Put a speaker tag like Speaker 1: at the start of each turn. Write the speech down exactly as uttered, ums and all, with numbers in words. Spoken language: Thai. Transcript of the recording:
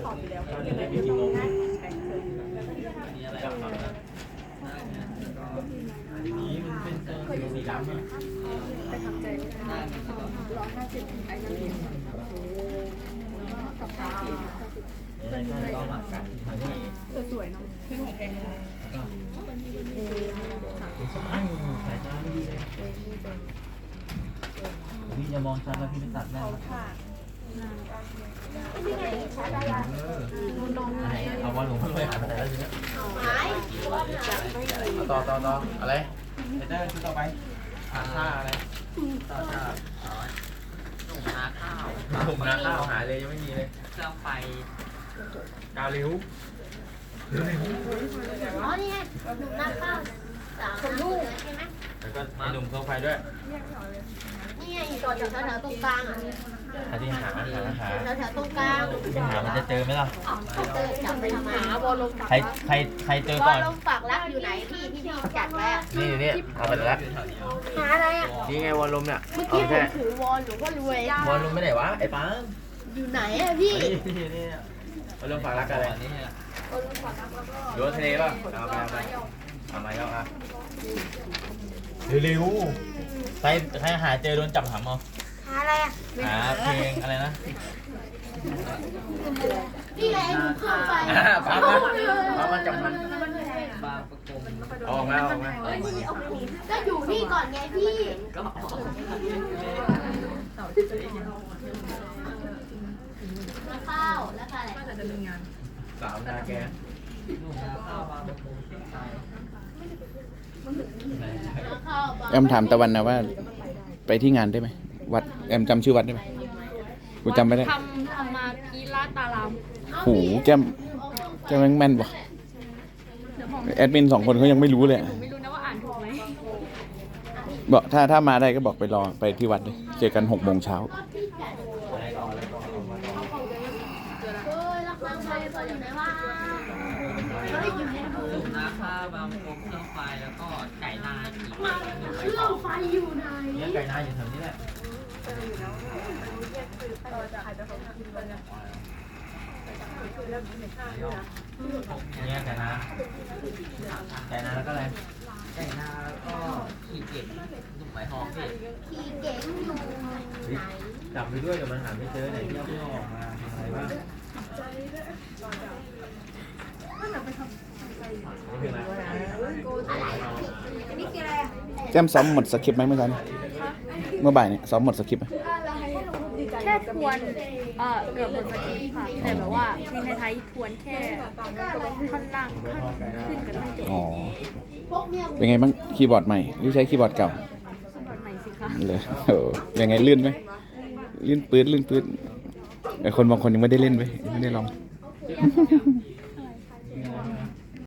Speaker 1: นี้มันเป็นสีดำอ่ะ
Speaker 2: ไปทำใจไม่ได้ร้อยห้าสิบไอ้นั่นเองกับข้าวเป็นอะไรก็หมักกันสวยเนาะที่ของแพงเลย
Speaker 1: พี่จะมองชัดแล้วพี่ไม่ตัดแน่เอาว่าหลวงพ่อรวยหายไปไหนแล้วทีนี้ต่อต่อต่ออะไรเฮเตอร์ชุดต่อไปหาท่าอะไรต่อท่าหนุ่มนาข้าวหนุ่มนาข้าวหายเลยยังไม่มีเลยเครื่องไฟกาลิ้ว
Speaker 3: อ๋อนี่ไงหนุ่มนาข้าวสามลูกใช่ไหม
Speaker 1: แล้วก็ไอ้หนุ่มเครื่องไฟด้วย
Speaker 3: นี่ไงอยู่ต่อจากแถวๆตรงกลางอ่ะ
Speaker 1: หาที่หาหาหา
Speaker 3: แถวๆตรงกลาง
Speaker 1: หามันจะเจอไหมล่ะ
Speaker 3: เจอจับไปทำไมหาบอลลงฝัก
Speaker 1: ใครใครใครเจอ
Speaker 3: บ
Speaker 1: ก่
Speaker 3: อ
Speaker 1: อ
Speaker 3: ล
Speaker 1: น
Speaker 3: ลงฝักรักอยู่ไหนพี่ที่พี่จัดไว้อะ
Speaker 1: นี่นี่เอาไปแล้ว
Speaker 3: หาอะไรอ่ะ
Speaker 1: นี่ไงวอลลุ่มเนี่ย
Speaker 3: เมื่อกี้ผมถือวอลหรือว่ารวยว
Speaker 1: อลลุ่มไม่ไหนวะไอ้ปัง
Speaker 3: อยู่ไหนอ่ะพี่
Speaker 1: นี่นี่วอลลุ่มฝากรักอะไรนี่ดูทะเลป่ะเอาไปเอาไปเอามาเอาอ่ะเร็วๆใครใครหาเจอโดนจับหำเอา
Speaker 3: หาอะไรอ่ะ
Speaker 1: หาเพลงอะไรนะ
Speaker 3: นี่ไงหนูเครื่องไฟ
Speaker 1: ปังนะปังมันจับมันออกมาออกมา
Speaker 3: ก็อยู่นี่ก่อนไงพี่แล้วข้าวแล้วอะไร
Speaker 1: สาวนาแก
Speaker 4: แอมถามตะวันนะว่าไปที่งานได้ไหมวัดแอมจำชื่อวัดได้ไหมกูจำไม่ได้
Speaker 2: ทำทำมาพีลาตาราม
Speaker 4: โหแกมแกมแม่นปะแอดมินสองคนเขายังไม่รู้เลย
Speaker 2: ไม่รู้นะว่าอ่านถูกไหม
Speaker 4: บอกถ้าถ้ามาได้ก็บอกไปรอไปที่วัดเลยเจอกันหกโมงเช้า
Speaker 1: นาข้าวบางพงเครื่องไฟแล้วก็ไก่นาอีก
Speaker 3: เครื่องไฟอยู่ไหน
Speaker 1: เนี่ยไก่นาอยู่แถวนี้แหละเนี่ยไก่นาไก่นาแล้วก็อะไรไก่นาแล้วก็ขี่เก่งหนุ่มไหมทองพี่
Speaker 3: ขี่เก๋งอยู่ไหน
Speaker 1: จับไปด้วยเดี๋ยวมันหาไม่เจอไหนที่เอาเพื่อออกมาอะไรบ้าง
Speaker 4: แก้มซ้อมหมดสคริปต์ไหมเมื่อเช้าเมื่อบ่ายเนี่ยซ้อมหมดสคริปต์ไหม
Speaker 2: แค่ทวนเอ่อเกือบหมดสคริปต์ค่ะแต่แบบว่าเพลงไทยๆทวนแค่ท่อนล่างท่อนขึ้นกับท่อนจบ
Speaker 4: อ๋อเป็นไงบ้างคีย์บอร์ดใหม่หรือใช้คีย์บอร์ดเก่า
Speaker 2: คีย์บอร์ดใหม่สิคะ
Speaker 4: เลยโอ้ยังไงลื่นไหมลื่นปื๊ดลื่นปื๊ดแต่คนบางคนยังไม่ได้เล่นไปไม่ได้ลอง